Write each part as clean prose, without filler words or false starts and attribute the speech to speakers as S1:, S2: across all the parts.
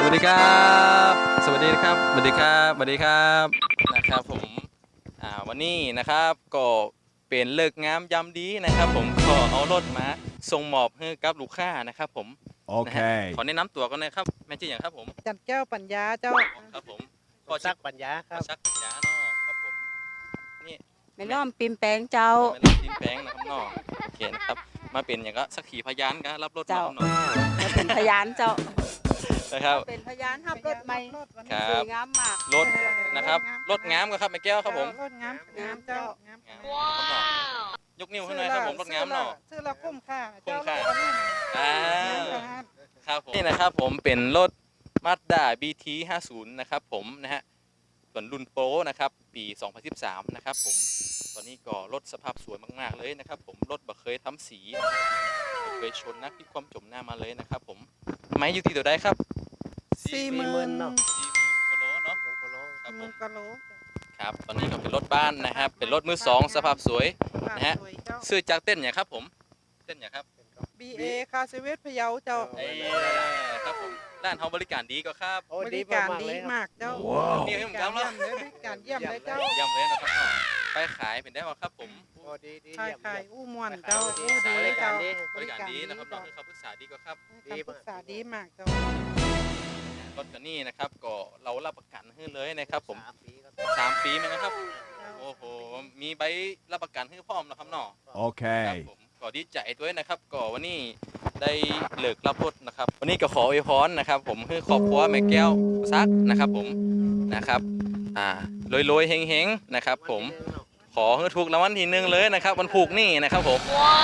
S1: วัสดีครับสวัสดีครับสวัสดีครับสวัสดีครับนะครับผมวันนี้นะครับก็เป็นเลิกงามยามดีนะครับผมขอเอารถมาส่งมอบให้กับลูกค้านะครับผมนะฮะ
S2: Okay.
S1: ขอแนะนำตัวกันนะครับแม่ชื่ออย่างครับผม
S3: จันเจ้าปัญญาเจ้า
S1: ครับผม
S4: ก็ซักปัญญาค
S1: ข
S4: รั
S1: อบ ชักยาเนาะครับผมนี่
S5: ไม่ล้อมปิมแปงเจ้า
S1: ไม่รับทิ้งแป้งนะครับเนาะโอเคนะครับมาเป็นอย่างก็สักขีพยานกันรับรถมา
S5: เจ้า
S1: ครับเนาะ
S5: มาเป็นพยานเจ้า
S1: นะครับ
S5: เป็นพยานขับรถใหม่
S1: ครับ
S5: สวยงามมาก
S1: รถนะครับรถงามครับแม่แก้วครับผม
S3: รถงามงามเจ้างาม
S1: งามครับเนาะยกนิ้วให้หน่อยครับผมรถงามเนาะ
S3: ชื่อละคุ้มค่า
S1: คุ้มค่า
S3: เจ้รถ
S1: อ่า
S3: งาม
S1: ครับผมนี่นะครับผมเป็นรถ Mazda BT 50นะครับผมนะฮะส่วนรุ่นโปรนะครับปี 2013นะครับผมตอนนี้ก็รถสภาพสวยมากๆเลยนะครับผมรถบ่เคยทำสีบ่เคยชนนักที่ความจมหน้ามาเลยนะครับผมไม้อยู่ที่ตัวใดครับ
S3: 40,000
S4: เนาะ
S1: 40,000กว่าโลเนาะ
S4: บางคนร้อง
S1: ครับผม
S3: กะโล
S1: ครับตอนนี้ก็เป็นรถบ้านนะครับเป็นรถมือสองสภาพสวย นะฮะ
S3: สวยเจ้า
S1: ซื้อจากเต้นอย่างครับผมเต้นอย่างครับ
S3: BA คาเซเวสพะเยาเจ้า
S1: ไอ้ครับผมร้านเฮาบริการดีก็ครับ
S4: โอ้
S3: บ
S4: ดี
S3: ริการ
S4: มากๆ
S3: ดี
S4: เลยครับ
S3: มากเจ้า
S1: นี่ให้ผมทำแล้ว
S3: บริการเยี่ยมเลยเจ้า
S1: ย่ำเลยนะครับเนาะไปขายเป็นได้ป่ะครับผม
S4: โอ้ดีดี
S3: ขาย
S4: เยี่ยม
S3: ขาย
S4: เยี่ยม
S3: อู้ม่วนเจ้าอู้ดี
S4: บริกา
S3: เจ้าร
S4: ดี
S1: บริการดีนะครับน้องคือคำปรึกษาดีก็ครับ
S3: คำปรึกษาดีมากเจ้าร
S1: ถคันนี้นะครับก็เรารับประกันให้เลยนะครับผม
S4: 3 ปีครับ
S1: 3 ปีไหมนะครับ
S3: เจ้า
S1: โอ้โหมีใบรับประกันให้พร้อมนะครับเนาะครับ
S2: Okay.
S1: ผมก็ดีใจด้วยนะครับก็วันนี้ได้เลิกรับรถนะครับ วันนี้ก็ขออวยพรนะครับผมคือครอบครัวแม่แก้วซักนะครับผมนะครับรวยๆเฮงๆนะครับผมขอให้ถูกรางวัลที่ 1เลยนะครับวันผูกนี่นะครับผม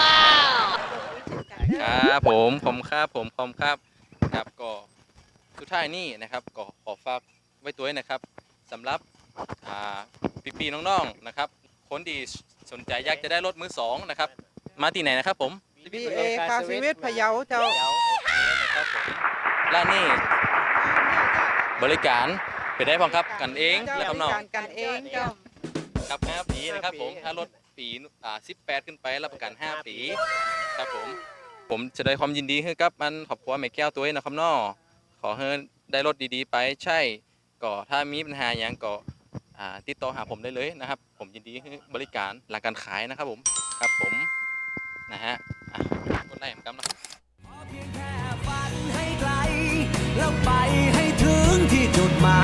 S1: ครับผมครับก็สุดท้ายนี่นะครับก็ขอฝากไว้ตัวนะครับสำหรับพี่ๆน้องๆนะครับคนที่สนใจอยากจะได้รถมือสองนะครับมาที่ไหนนะครับผม
S3: BA คาเซเวสพะเยาเจ้า
S1: โอเคนะครับผมร้านนี้บริการเป็นได้พร้อมครับกันเองและคำนอง
S3: บริการกันเองเจ้า
S1: ครับ5 ปีนะครับผมถ้ารถปี18 ขึ้นไปรับประกัน 5 ปีครับผมจะได้ความยินดีให้กับมันขอบคุณแม่แก้วตัวเองนะครับน้อขอให้ได้รถดีๆไปใช่ก็ถ้ามีปัญหาอย่างก็ติดต่อหาผมได้เลยนะครับ ผมยินดีให้บริการหลังการขายนะครับผมครับผมนะฮะกดไลค์เหมือนกันนะ
S6: เพียงแค่ฝันให้ไกลแล้วไปให้ถึงที่จุดหมาย